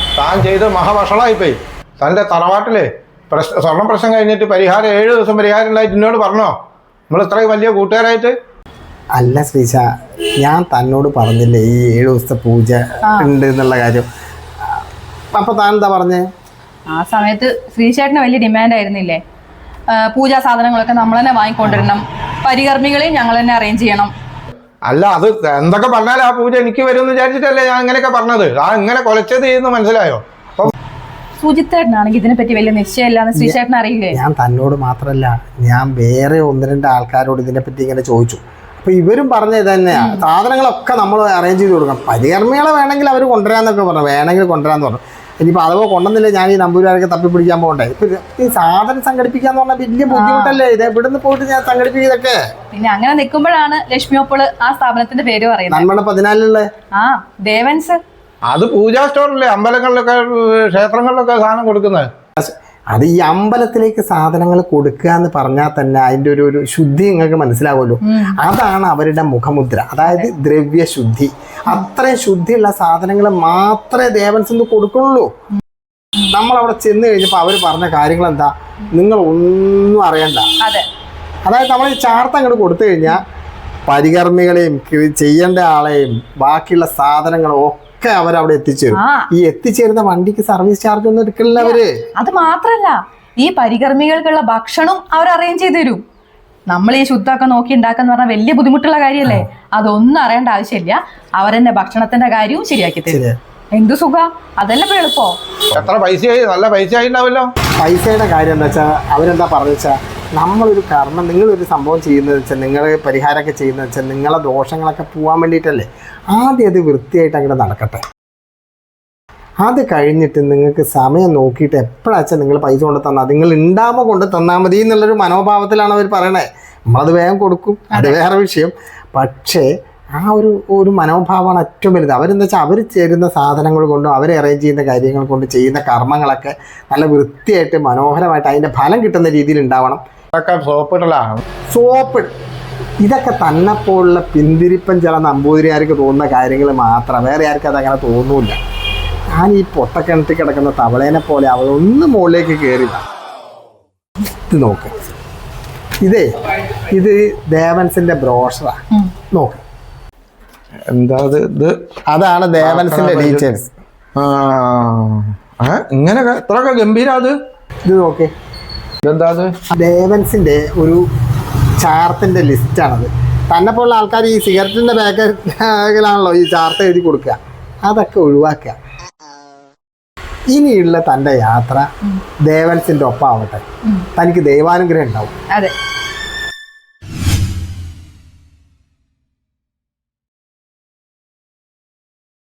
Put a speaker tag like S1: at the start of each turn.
S1: താൻ ചെയ്ത് മഹാവഷളായിപ്പോയി. തൻ്റെ തറവാട്ടിലെ സ്വർണ്ണ പ്രശ്നം കഴിഞ്ഞിട്ട് പരിഹാരം 7 ദിവസം പരിഹാരം ഉണ്ടായിട്ട് എന്നോട് പറഞ്ഞോ? നമ്മൾ ഇത്രയും വലിയ കൂട്ടുകാരായിട്ട്.
S2: അല്ല ശ്രീശ, ഞാൻ തന്നോട് പറഞ്ഞില്ലേ ഈ 7 ദിവസത്തെ പൂജ ഉണ്ട് എന്നുള്ള കാര്യം. അപ്പൊ താൻ എന്താ പറഞ്ഞേ?
S3: ആ സമയത്ത് ശ്രീശേട്ടന് വലിയ ഡിമാൻഡ് ആയിരുന്നില്ലേ? പൂജാ സാധനങ്ങളൊക്കെ നമ്മൾ തന്നെ വാങ്ങിക്കൊണ്ടിരണം, പരികർമ്മികളെയും ഞങ്ങൾ തന്നെ അറേഞ്ച് ചെയ്യണം.
S1: അല്ല, അത് എന്തൊക്കെ പറഞ്ഞാലും ആ പൂജ എനിക്ക് വരുമെന്ന് വിചാരിച്ചിട്ടല്ലേ ഞാൻ ഇങ്ങനെയൊക്കെ പറഞ്ഞത്. ആ ഇങ്ങനെ കൊലച്ചത് ചെയ്യുന്നു, മനസ്സിലായോ?
S3: സുജിത്തേട്ടനാണെങ്കിൽ ഇതിനെപ്പറ്റി വലിയ നിശ്ചയമില്ലാന്ന് ശ്രീശേട്ടൻ അറിയില്ലേ?
S2: ഞാൻ തന്നോട് മാത്രല്ല, ഞാൻ വേറെ 1-2 ആൾക്കാരോട് ഇതിനെപ്പറ്റി ഇങ്ങനെ ചോദിച്ചു. അപ്പൊ ഇവരും പറഞ്ഞ ഇത് തന്നെയാ, സാധനങ്ങളൊക്കെ നമ്മൾ അറേഞ്ച് ചെയ്ത് കൊടുക്കണം. പരികർമ്മികളെ വേണമെങ്കിൽ അവർ കൊണ്ടുവരാന്നൊക്കെ പറഞ്ഞു, വേണമെങ്കിൽ കൊണ്ടുവരാന്ന് പറഞ്ഞു. ഇനിയിപ്പോൾ അഥവാ കൊണ്ടുവന്നില്ല, ഞാൻ ഈ നമ്പൂരാരൊക്കെ തപ്പി പിടിക്കാൻ പോകണ്ടേ? ഇപ്പൊ ഈ സാധനം സംഘടിപ്പിക്കാന്ന് പറഞ്ഞാൽ വലിയ ബുദ്ധിമുട്ടല്ലേ? ഇത് ഇവിടുന്ന് പോയിട്ട് ഞാൻ സംഘടിപ്പിക്കുന്നതൊക്കെ.
S3: പിന്നെ അങ്ങനെ നിൽക്കുമ്പോഴാണ് ലക്ഷ്മി ഒപ്പോൾ ആ സ്ഥാപനത്തിന്റെ പേര് പറയുന്നത്.
S2: നമ്മുടെ 14
S3: ആ ദേവൻസ്.
S1: അത് പൂജാ സ്റ്റോറല്ലേ, അമ്പലങ്ങളിലൊക്കെ ക്ഷേത്രങ്ങളിലൊക്കെ സാധനം കൊടുക്കുന്നത്.
S2: അത് ഈ അമ്പലത്തിലേക്ക് സാധനങ്ങൾ കൊടുക്കുക എന്ന് പറഞ്ഞാൽ തന്നെ അതിൻ്റെ ഒരു ശുദ്ധി നിങ്ങൾക്ക് മനസ്സിലാവുമല്ലോ. അതാണ് അവരുടെ മുഖമുദ്ര, അതായത് ദ്രവ്യശുദ്ധി. അത്രയും ശുദ്ധിയുള്ള സാധനങ്ങൾ മാത്രമേ ദേവൻസ് കൊടുക്കുള്ളൂ. നമ്മളവിടെ ചെന്ന് കഴിഞ്ഞപ്പോൾ അവർ പറഞ്ഞ കാര്യങ്ങൾ എന്താ, നിങ്ങൾ ഒന്നും അറിയണ്ട. അതായത് നമ്മൾ ഈ ചാർത്ത അങ്ങോട്ട് കൊടുത്തു കഴിഞ്ഞാൽ പരികർമ്മികളെയും ചെയ്യേണ്ട ആളെയും ബാക്കിയുള്ള സാധനങ്ങളും ഒക്കെ അവരവിടെ എത്തിച്ചേരും. ഈ എത്തിച്ചേരുന്ന വണ്ടിക്ക് സർവീസ് ചാർജ് ഒന്നും എടുക്കില്ല അവര്.
S3: അത് മാത്രല്ല, ഈ പരികർമ്മികൾക്കുള്ള ഭക്ഷണം അവർ അറേഞ്ച് ചെയ്ത് തരും. നമ്മൾ ഈ ശുദ്ധമൊക്കെ നോക്കി ഉണ്ടാക്കാന്ന് പറഞ്ഞാൽ വലിയ ബുദ്ധിമുട്ടുള്ള കാര്യമല്ലേ? അതൊന്നും അറിയേണ്ട ആവശ്യമില്ല, അവരെന്നെ ഭക്ഷണത്തിന്റെ കാര്യവും ശരിയാക്കി തരും. എന്തു സുഖ, അതല്ല ഇപ്പൊ എളുപ്പോ.
S1: എത്ര പൈസയായി? നല്ല പൈസയായി ഉണ്ടാവല്ലോ.
S2: പൈസയുടെ കാര്യം എന്താ വെച്ചാൽ അവരെന്താ പറഞ്ഞു വെച്ചാൽ, നമ്മളൊരു കർമ്മം, നിങ്ങളൊരു സംഭവം ചെയ്യുന്നത് വെച്ചാൽ, നിങ്ങൾ പരിഹാരമൊക്കെ ചെയ്യുന്നത് വെച്ചാൽ നിങ്ങളെ ദോഷങ്ങളൊക്കെ പോകാൻ വേണ്ടിയിട്ടല്ലേ. ആദ്യം അത് വൃത്തിയായിട്ട് അങ്ങനെ നടക്കട്ടെ. അത് കഴിഞ്ഞിട്ട് നിങ്ങൾക്ക് സമയം നോക്കിയിട്ട് എപ്പോഴാച്ചാൽ നിങ്ങൾ പൈസ കൊണ്ട് തന്നാൽ, നിങ്ങൾ ഉണ്ടാകുമ്പോൾ കൊണ്ട് തന്നാൽ മതി എന്നുള്ളൊരു മനോഭാവത്തിലാണ് അവർ പറയണേ. നമ്മളത് വേഗം കൊടുക്കും, അത് വേറെ വിഷയം. പക്ഷേ ആ ഒരു മനോഭാവമാണ് ഏറ്റവും വലുത്. അവരെന്താ വെച്ചാൽ അവർ ചേരുന്ന സാധനങ്ങൾ കൊണ്ടും അവർ അറേഞ്ച് ചെയ്യുന്ന കാര്യങ്ങൾ കൊണ്ട് ചെയ്യുന്ന കർമ്മങ്ങളൊക്കെ നല്ല വൃത്തിയായിട്ട് മനോഹരമായിട്ട് അതിൻ്റെ ഫലം കിട്ടുന്ന രീതിയിൽ ഉണ്ടാവണം. സോപ്പ് ഇതൊക്കെ തന്നെപ്പോലുള്ള പിന്തിരിപ്പൻ ചില നമ്പൂതിരിയാർക്ക് തോന്നുന്ന കാര്യങ്ങൾ മാത്രം, വേറെ ആർക്കും അതങ്ങനെ തോന്നൂല. ഞാൻ ഈ പൊട്ടക്കിണറ്റി കിടക്കുന്ന തവളേനെ പോലെ അവളൊന്ന് മുകളിലേക്ക് കയറില്ല. ഇത് നോക്ക്, ഇത് ദേവൻസിന്റെ ബ്രോഷറാ. നോക്ക്,
S1: എന്താ ഇത്?
S2: അതാണ് ദേവൻസിന്റെ ഡീറ്റെയിൽസ്.
S1: ഇങ്ങനെ എത്രയൊക്കെ ഗംഭീര. അത്
S2: ഇത് നോക്കേ,
S1: ഇതെന്താ? അത്
S2: ദേവൻസിന്റെ ഒരു ചാർത്തിന്റെ ലിസ്റ്റാണത്. തന്നെ പോലുള്ള ആൾക്കാർ ഈ സിഗരറ്റിന്റെ ബാഗിലാണല്ലോ ഈ ചാർട്ട് എഴുതി കൊടുക്കുക. അതൊക്കെ ഒഴിവാക്കുക. ഇനിയുള്ള തൻ്റെ യാത്ര ദേവൻസിന്റെ ഒപ്പം ആവട്ടെ. തനിക്ക് ദൈവാനുഗ്രഹം ഉണ്ടാവും.